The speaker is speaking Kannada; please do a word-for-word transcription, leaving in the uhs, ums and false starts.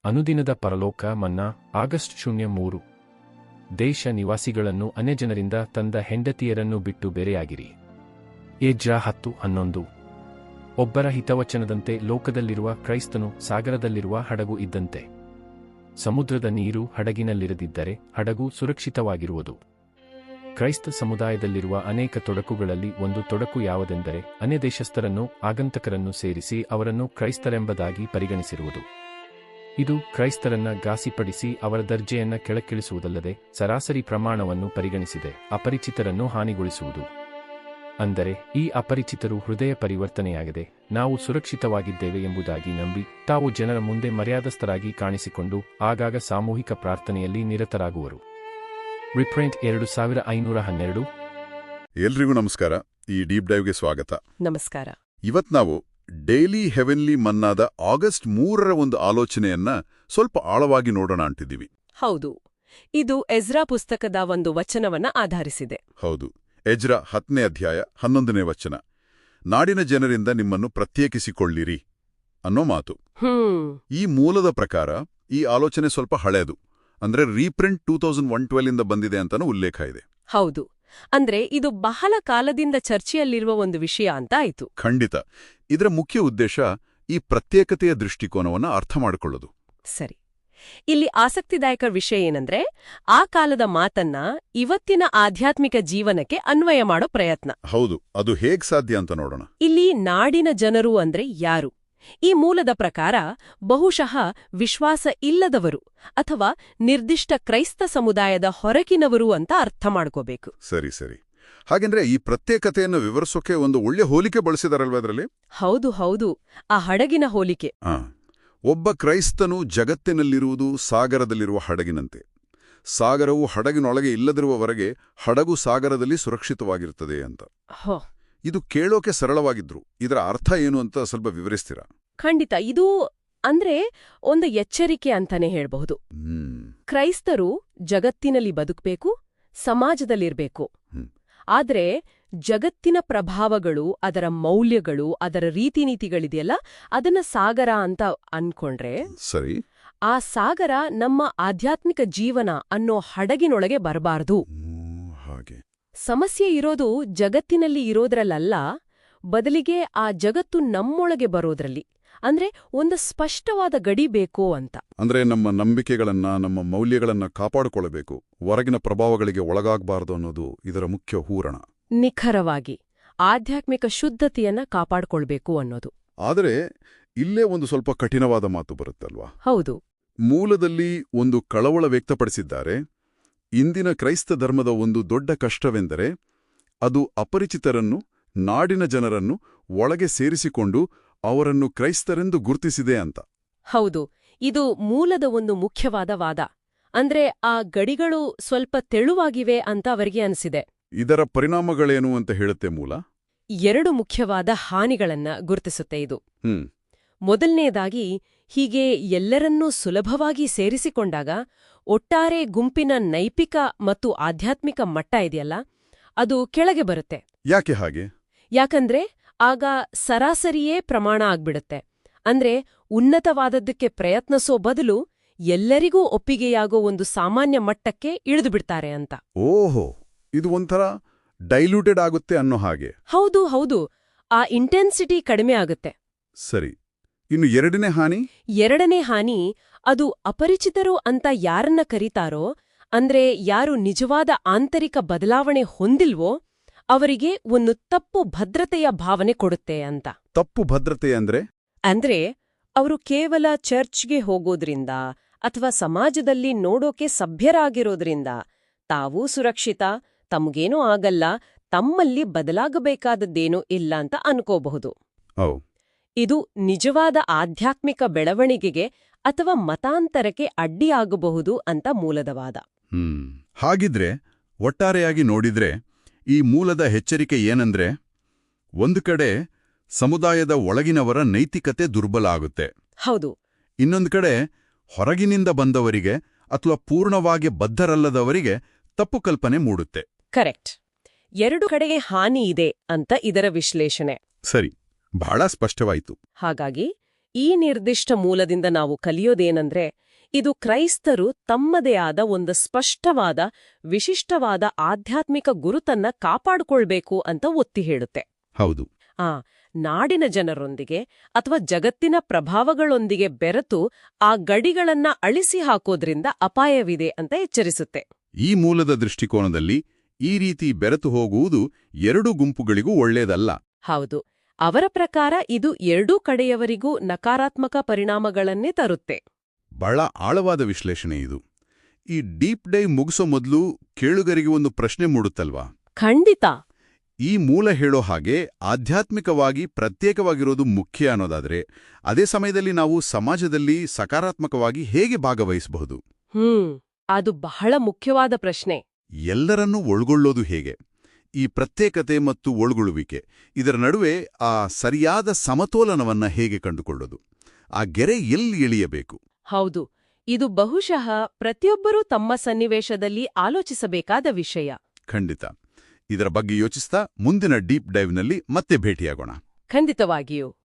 ಅನುದಿನದ ಪರಲೋಕ ಮನ್ನಾ ಆಗಸ್ಟ್ ಶೂನ್ಯ ಮೂರು ದೇಶ ನಿವಾಸಿಗಳನ್ನು ಅನ್ಯಜನರಿಂದ ತಂದ ಹೆಂಡತಿಯರನ್ನು ಬಿಟ್ಟು ಬೇರೆಯಾಗಿರಿ. ಎಜ್ರ ಹತ್ತು ಹನ್ನೊಂದು ಒಬ್ಬರ ಹಿತವಚನದಂತೆ ಲೋಕದಲ್ಲಿರುವ ಕ್ರೈಸ್ತನು ಸಾಗರದಲ್ಲಿರುವ ಹಡಗು ಇದ್ದಂತೆ. ಸಮುದ್ರದ ನೀರು ಹಡಗಿನಲ್ಲಿರದಿದ್ದರೆ ಹಡಗು ಸುರಕ್ಷಿತವಾಗಿರುವುದು. ಕ್ರೈಸ್ತ ಸಮುದಾಯದಲ್ಲಿರುವ ಅನೇಕ ತೊಡಕುಗಳಲ್ಲಿ ಒಂದು ತೊಡಕು ಯಾವುದೆಂದರೆ ಅನ್ಯದೇಶಸ್ಥರನ್ನು ಆಗಂತಕರನ್ನು ಸೇರಿಸಿ ಅವರನ್ನು ಕ್ರೈಸ್ತರೆಂಬುದಾಗಿ ಪರಿಗಣಿಸಿರುವುದು. ಇದು ಕ್ರೈಸ್ತರನ್ನ ಘಾಸಿಪಡಿಸಿ ಅವರ ದರ್ಜೆಯನ್ನ ಕೆಳಕ್ಕಿಳಿಸುವುದಲ್ಲದೆ ಸರಾಸರಿ ಪ್ರಮಾಣವನ್ನು ಪರಿಗಣಿಸಿದೆ ಅಪರಿಚಿತರನ್ನು ಹಾನಿಗೊಳಿಸುವುದು. ಅಂದರೆ ಈ ಅಪರಿಚಿತರು ಹೃದಯ ಪರಿವರ್ತನೆಯಾಗದೆ ನಾವು ಸುರಕ್ಷಿತವಾಗಿದ್ದೇವೆ ಎಂಬುದಾಗಿ ನಂಬಿ ತಾವು ಜನರ ಮುಂದೆ ಮರ್ಯಾದಸ್ಥರಾಗಿ ಕಾಣಿಸಿಕೊಂಡು ಆಗಾಗ ಸಾಮೂಹಿಕ ಪ್ರಾರ್ಥನೆಯಲ್ಲಿ ನಿರತರಾಗುವರು. ರಿಪ್ರಿಂಟ್ ಎರಡು ಸಾವಿರ ಐನೂರ ಹನ್ನೆರಡು. ಎಲ್ರಿಗೂ ನಮಸ್ಕಾರ. ಈ ಡೀಪ್ ಡೈವ್ಗೆ ಸ್ವಾಗತ. ನಮಸ್ಕಾರ. ಇವತ್ ನಾವು ಡೈಲಿ ಹೆವೆನ್ಲಿ ಮನ್ನಾದ ಆಗಸ್ಟ್ ಮೂರರ ಒಂದು ಆಲೋಚನೆಯನ್ನ ಸ್ವಲ್ಪ ಆಳವಾಗಿ ನೋಡೋಣ ಅಂತಿದ್ದೀವಿ. ಹೌದು, ಇದು ಎಜ್ರಾ ಪುಸ್ತಕದ ಒಂದು ವಚನವನ್ನ ಆಧರಿಸಿದೆ. ಹೌದು, ಎಜ್ರಾ ಹತ್ತನೇ ಅಧ್ಯಾಯ ಹನ್ನೊಂದನೇ ವಚನ, ನಾಡಿನ ಜನರಿಂದ ನಿಮ್ಮನ್ನು ಪ್ರತ್ಯೇಕಿಸಿಕೊಳ್ಳಿರಿ ಅನ್ನೋ ಮಾತು. ಹ್ಮ್ ಈ ಮೂಲದ ಪ್ರಕಾರ ಈ ಆಲೋಚನೆ ಸ್ವಲ್ಪ ಹಳೆಯದು, ಅಂದ್ರೆ reprint two thousand one twelve ಇಂದ ಬಂದಿದೆ ಅಂತಾನೂ ಉಲ್ಲೇಖ ಇದೆ. ಹೌದು, ಅಂದ್ರೆ ಇದು ಬಹಳ ಕಾಲದಿಂದ ಚರ್ಚೆಯಲ್ಲಿರುವ ಒಂದು ವಿಷಯ ಅಂತ ಆಯ್ತು. ಖಂಡಿತ. ಇದರ ಮುಖ್ಯ ಉದ್ದೇಶ ಈ ಪ್ರತ್ಯೇಕತೆಯ ದೃಷ್ಟಿಕೋನವನ್ನು ಅರ್ಥ ಮಾಡಿಕೊಳ್ಳೋದು. ಸರಿ, ಇಲ್ಲಿ ಆಸಕ್ತಿದಾಯಕ ವಿಷಯ ಏನಂದ್ರೆ ಆ ಕಾಲದ ಮಾತನ್ನ ಇವತ್ತಿನ ಆಧ್ಯಾತ್ಮಿಕ ಜೀವನಕ್ಕೆ ಅನ್ವಯ ಮಾಡೋ ಪ್ರಯತ್ನ. ಹೌದು, ಅದು ಹೇಗ್ ಸಾಧ್ಯ ಅಂತ ನೋಡೋಣ. ಇಲ್ಲಿ ನಾಡಿನ ಜನರು ಅಂದ್ರೆ ಯಾರು? ಈ ಮೂಲದ ಪ್ರಕಾರ ಬಹುಶಃ ವಿಶ್ವಾಸ ಇಲ್ಲದವರು ಅಥವಾ ನಿರ್ದಿಷ್ಟ ಕ್ರೈಸ್ತ ಸಮುದಾಯದ ಹೊರಗಿನವರು ಅಂತ ಅರ್ಥ ಮಾಡ್ಕೋಬೇಕು. ಸರಿ ಸರಿ ಹಾಗೆಂದ್ರೆ ಈ ಪ್ರತ್ಯೇಕತೆಯನ್ನು ವಿವರಿಸೋಕೆ ಒಂದು ಒಳ್ಳೆ ಹೋಲಿಕೆ ಬಳಸಿದಾರಲ್ವ ಅದರಲ್ಲಿ? ಹೌದು ಹೌದು, ಆ ಹಡಗಿನ ಹೋಲಿಕೆ. ಆ ಒಬ್ಬ ಕ್ರೈಸ್ತನು ಜಗತ್ತಿನಲ್ಲಿರುವುದು ಸಾಗರದಲ್ಲಿರುವ ಹಡಗಿನಂತೆ. ಸಾಗರವು ಹಡಗಿನೊಳಗೆ ಇಲ್ಲದಿರುವವರೆಗೆ ಹಡಗು ಸಾಗರದಲ್ಲಿ ಸುರಕ್ಷಿತವಾಗಿರುತ್ತದೆ ಅಂತ. ಹೋ, ಇದು ಕೇಳೋಕೆ ಸರಳವಾಗಿದ್ರು ಇದರ ಅರ್ಥ ಏನು ಅಂತ ಸ್ವಲ್ಪ ವಿವರಿಸ್ತೀರಾ? ಖಂಡಿತ. ಇದು ಅಂದ್ರೆ ಒಂದು ಎಚ್ಚರಿಕೆ ಅಂತಾನೆ ಹೇಳ್ಬಹುದು. ಹ್ಮ್ ಕ್ರೈಸ್ತರು ಜಗತ್ತಿನಲ್ಲಿ ಬದುಕಬೇಕು, ಸಮಾಜದಲ್ಲಿರ್ಬೇಕು. ಹ್ಮ್. ಆದ್ರೆ ಜಗತ್ತಿನ ಪ್ರಭಾವಗಳು, ಅದರ ಮೌಲ್ಯಗಳು, ಅದರ ರೀತಿನೀತಿಗಳಿದೆಯಲ್ಲ, ಅದನ್ನ ಸಾಗರ ಅಂತ ಅನ್ಕೊಂಡ್ರೆ ಸರಿ, ಆ ಸಾಗರ ನಮ್ಮ ಆಧ್ಯಾತ್ಮಿಕ ಜೀವನ ಅನ್ನೋ ಹಡಗಿನೊಳಗೆ ಬರಬಾರ್ದು. ಹಾಗೆ ಸಮಸ್ಯೆ ಇರೋದು ಜಗತ್ತಿನಲ್ಲಿ ಇರೋದ್ರಲ್ಲ, ಬದಲಿಗೆ ಆ ಜಗತ್ತು ನಮ್ಮೊಳಗೆ ಬರೋದ್ರಲ್ಲಿ. ಅಂದ್ರೆ ಒಂದು ಸ್ಪಷ್ಟವಾದ ಗಡಿ ಬೇಕೋ ಅಂತ. ಅಂದ್ರೆ ನಮ್ಮ ನಂಬಿಕೆಗಳನ್ನ, ನಮ್ಮ ಮೌಲ್ಯಗಳನ್ನ ಕಾಪಾಡಿಕೊಳ್ಳಬೇಕು, ಹೊರಗಿನ ಪ್ರಭಾವಗಳಿಗೆ ಒಳಗಾಗಬಾರದು ಅನ್ನೋದು ಇದರ ಮುಖ್ಯ ಹೂರಣ. ನಿಖರವಾಗಿ ಆಧ್ಯಾತ್ಮಿಕ ಶುದ್ಧತೆಯನ್ನ ಕಾಪಾಡ್ಕೊಳ್ಬೇಕು ಅನ್ನೋದು. ಆದರೆ ಇಲ್ಲೇ ಒಂದು ಸ್ವಲ್ಪ ಕಠಿಣವಾದ ಮಾತು ಬರುತ್ತಲ್ವಾ? ಹೌದು, ಮೂಲದಲ್ಲಿ ಒಂದು ಕಳವಳ ವ್ಯಕ್ತಪಡಿಸಿದ್ದಾರೆ. ಇಂದಿನ ಕ್ರೈಸ್ತ ಧರ್ಮದ ಒಂದು ದೊಡ್ಡ ಕಷ್ಟವೆಂದರೆ ಅದು ಅಪರಿಚಿತರನ್ನು, ನಾಡಿನ ಜನರನ್ನು ಒಳಗೆ ಸೇರಿಸಿಕೊಂಡು ಅವರನ್ನು ಕ್ರೈಸ್ತರೆಂದು ಗುರುತಿಸಿದೆ ಅಂತ. ಹೌದು, ಇದು ಮೂಲದ ಒಂದು ಮುಖ್ಯವಾದ ವಾದ. ಅಂದ್ರೆ ಆ ಗಡಿಗಳು ಸ್ವಲ್ಪ ತೆಳುವಾಗಿವೆ ಅಂತ ಅವರಿಗೆ ಅನಿಸಿದೆ. ಇದರ ಪರಿಣಾಮಗಳೇನು ಅಂತ ಹೇಳುತ್ತೆ ಮೂಲ? ಎರಡು ಮುಖ್ಯವಾದ ಹಾನಿಗಳನ್ನ ಗುರುತಿಸುತ್ತೆ ಇದು. ಹ್ಮ್ ಮೊದಲನೇದಾಗಿ, ಹೀಗೆ ಎಲ್ಲರನ್ನೂ ಸುಲಭವಾಗಿ ಸೇರಿಸಿಕೊಂಡಾಗ ಒಟ್ಟಾರೆ ಗುಂಪಿನ ನೈತಿಕ ಮತ್ತು ಆಧ್ಯಾತ್ಮಿಕ ಮಟ್ಟ ಇದೆಯಲ್ಲ, ಅದು ಕೆಳಗೆ ಬರುತ್ತೆ. ಯಾಕೆ ಹಾಗೆ? ಯಾಕಂದ್ರೆ ಆಗ ಸರಾಸರಿಯೇ ಪ್ರಮಾಣ ಆಗ್ಬಿಡುತ್ತೆ. ಅಂದ್ರೆ ಉನ್ನತವಾದದ್ದಕ್ಕೆ ಪ್ರಯತ್ನಿಸೋ ಬದಲು ಎಲ್ಲರಿಗೂ ಒಪ್ಪಿಗೆಯಾಗೋ ಒಂದು ಸಾಮಾನ್ಯ ಮಟ್ಟಕ್ಕೆ ಇಳಿದುಬಿಡ್ತಾರೆ ಅಂತ. ಓಹೋ, ಇದು ಒಂಥರ ಡೈಲ್ಯೂಟೆಡ್ ಆಗುತ್ತೆ ಅನ್ನೋ ಹಾಗೆ. ಹೌದು ಹೌದು, ಆ ಇಂಟೆನ್ಸಿಟಿ ಕಡಿಮೆ ಆಗುತ್ತೆ. ಸರಿ, ಇನ್ನು ಎರಡನೇ ಹಾನಿ? ಎರಡನೇ ಹಾನಿ, ಅದು ಅಪರಿಚಿತರು ಅಂತ ಯಾರನ್ನ ಕರೀತಾರೋ, ಅಂದ್ರೆ ಯಾರು ನಿಜವಾದ ಆಂತರಿಕ ಬದಲಾವಣೆ ಹೊಂದಿಲ್ವೋ ಅವರಿಗೆ ಒಂದು ತಪ್ಪು ಭದ್ರತೆಯ ಭಾವನೆ ಕೊಡುತ್ತೆ ಅಂತ. ತಪ್ಪು ಭದ್ರತೆ ಅಂದ್ರೆ? ಅಂದ್ರೆ ಅವರು ಕೇವಲ ಚರ್ಚ್ಗೆ ಹೋಗೋದ್ರಿಂದ ಅಥವಾ ಸಮಾಜದಲ್ಲಿ ನೋಡೋಕೆ ಸಭ್ಯರಾಗಿರೋದ್ರಿಂದ ತಾವೂ ಸುರಕ್ಷಿತ, ತಮಗೇನೂ ಆಗಲ್ಲ, ತಮ್ಮಲ್ಲಿ ಬದಲಾಗಬೇಕಾದದ್ದೇನೂ ಇಲ್ಲ ಅಂತ ಅನ್ಕೋಬಹುದು. ಇದು ನಿಜವಾದ ಆಧ್ಯಾತ್ಮಿಕ ಬೆಳವಣಿಗೆಗೆ ಅಥವಾ ಮತಾಂತರಕ್ಕೆ ಅಡ್ಡಿಯಾಗಬಹುದು ಅಂತ ಮೂಲದ ವಾದ. ಹ್ಮ್ ಹಾಗಿದ್ರೆ ಒಟ್ಟಾರೆಯಾಗಿ ನೋಡಿದ್ರೆ ಈ ಮೂಲದ ಎಚ್ಚರಿಕೆ ಏನಂದ್ರೆ, ಒಂದು ಕಡೆ ಸಮುದಾಯದ ಒಳಗಿನವರ ನೈತಿಕತೆ ದುರ್ಬಲ ಆಗುತ್ತೆ. ಹೌದು. ಇನ್ನೊಂದು ಕಡೆ ಹೊರಗಿನಿಂದ ಬಂದವರಿಗೆ ಅಥವಾ ಪೂರ್ಣವಾಗಿ ಬದ್ಧರಲ್ಲದವರಿಗೆ ತಪ್ಪು ಕಲ್ಪನೆ ಮೂಡುತ್ತೆ. ಕರೆಕ್ಟ್. ಎರಡು ಕಡೆಗೆ ಹಾನಿ ಇದೆ ಅಂತ ಇದರ ವಿಶ್ಲೇಷಣೆ. ಸರಿ, ಬಹಳ ಸ್ಪಷ್ಟವಾಯಿತು. ಹಾಗಾಗಿ ಈ ನಿರ್ದಿಷ್ಟ ಮೂಲದಿಂದ ನಾವು ಕಲಿಯೋದೇನೆಂದ್ರೆ ಇದು ಕ್ರೈಸ್ತರು ತಮ್ಮದೇ ಆದ ಒಂದು ಸ್ಪಷ್ಟವಾದ ವಿಶಿಷ್ಟವಾದ ಆಧ್ಯಾತ್ಮಿಕ ಗುರುತನ್ನ ಕಾಪಾಡಿಕೊಳ್ಬೇಕು ಅಂತ ಒತ್ತಿ ಹೇಳುತ್ತೆ. ಹೌದು. ಆ ನಾಡಿನ ಜನರೊಂದಿಗೆ ಅಥವಾ ಜಗತ್ತಿನ ಪ್ರಭಾವಗಳೊಂದಿಗೆ ಬೆರೆತು ಆ ಗಡಿಗಳನ್ನ ಅಳಿಸಿ ಹಾಕೋದ್ರಿಂದ ಅಪಾಯವಿದೆ ಅಂತ ಎಚ್ಚರಿಸುತ್ತೆ. ಈ ಮೂಲದ ದೃಷ್ಟಿಕೋನದಲ್ಲಿ ಈ ರೀತಿ ಬೆರೆತು ಹೋಗುವುದು ಎರಡೂ ಗುಂಪುಗಳಿಗೂ ಒಳ್ಳೆಯದಲ್ಲ. ಹೌದು. ಅವರ ಪ್ರಕಾರ ಇದು ಎರಡೂ ಕಡೆಯವರಿಗೂ ನಕಾರಾತ್ಮಕ ಪರಿಣಾಮಗಳನ್ನೇ ತರುತ್ತೆ. ಬಹಳ ಆಳವಾದ ವಿಶ್ಲೇಷಣೆ ಇದು. ಈ ಡೀಪ್ ಡೈವ್ ಮುಗಿಸೋ ಮೊದಲು ಕೇಳುಗರಿಗೆ ಒಂದು ಪ್ರಶ್ನೆ ಮೂಡುತ್ತಲ್ವಾ? ಖಂಡಿತ. ಈ ಮೂಲ ಹೇಳೋ ಹಾಗೆ ಆಧ್ಯಾತ್ಮಿಕವಾಗಿ ಪ್ರತ್ಯೇಕವಾಗಿರೋದು ಮುಖ್ಯ ಅನ್ನೋದಾದ್ರೆ, ಅದೇ ಸಮಯದಲ್ಲಿ ನಾವು ಸಮಾಜದಲ್ಲಿ ಸಕಾರಾತ್ಮಕವಾಗಿ ಹೇಗೆ ಭಾಗವಹಿಸಬಹುದು? ಹ್ಮ್ ಅದು ಬಹಳ ಮುಖ್ಯವಾದ ಪ್ರಶ್ನೆ. ಎಲ್ಲರನ್ನೂ ಒಳಗೊಳ್ಳೋದು ಹೇಗೆ? ಈ ಪ್ರತ್ಯೇಕತೆ ಮತ್ತು ಒಳಗೊಳ್ಳುವಿಕೆ ಇದರ ನಡುವೆ ಆ ಸರಿಯಾದ ಸಮತೋಲನವನ್ನ ಹೇಗೆ ಕಂಡುಕೊಳ್ಳೋದು? ಆ ಗೆರೆ ಎಲ್ಲಿ ಇಳಿಯಬೇಕು? ಹೌದು, ಇದು ಬಹುಶಃ ಪ್ರತಿಯೊಬ್ಬರೂ ತಮ್ಮ ಸನ್ನಿವೇಶದಲ್ಲಿ ಆಲೋಚಿಸಬೇಕಾದ ವಿಷಯ. ಖಂಡಿತ. ಇದರ ಬಗ್ಗೆ ಯೋಚಿಸ್ತಾ ಮುಂದಿನ ಡೀಪ್ ಡೈವ್ನಲ್ಲಿ ಮತ್ತೆ ಭೇಟಿಯಾಗೋಣ. ಖಂಡಿತವಾಗಿಯೂ.